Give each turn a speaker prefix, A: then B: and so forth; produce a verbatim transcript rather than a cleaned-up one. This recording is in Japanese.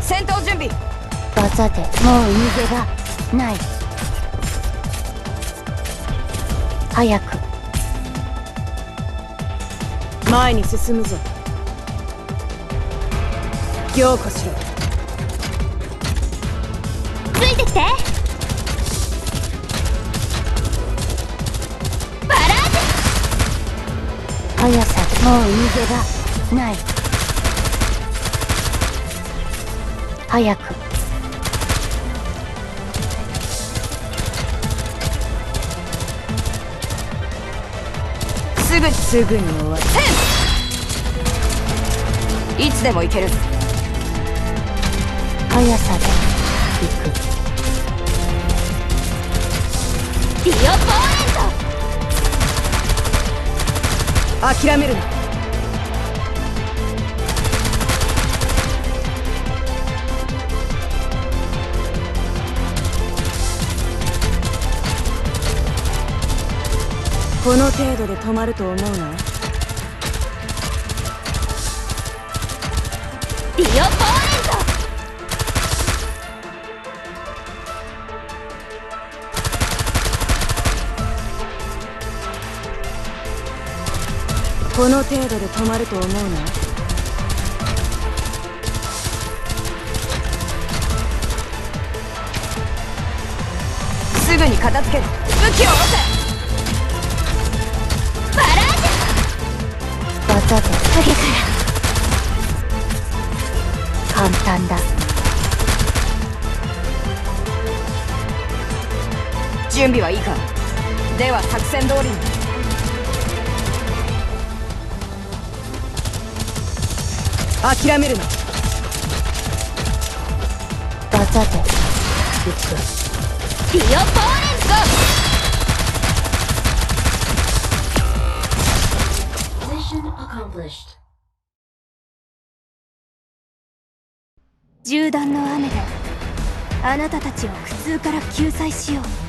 A: 戦闘準備。
B: 技でもう逃げ場ない。早く
A: 前に進むぞ。凝固しろ。
B: ついてきて。バラージュ。速さでもう逃げ場ない。早く
A: すぐすぐに終わる。いつでも行ける。
B: 速さで行く。ディオポーレント。
A: 諦めるな。この程度で止まると思うな。
B: ディオポーレント。
A: この程度で止まると思うな。すぐに片付ける。武器を下ろせ。
B: バラージュ。技で影から簡単だ。
A: 準備はいいか。では作戦通りに。諦めるな。
B: 技で行く。ディオポーレント。銃弾の雨であなたたちを苦痛から救済しよう。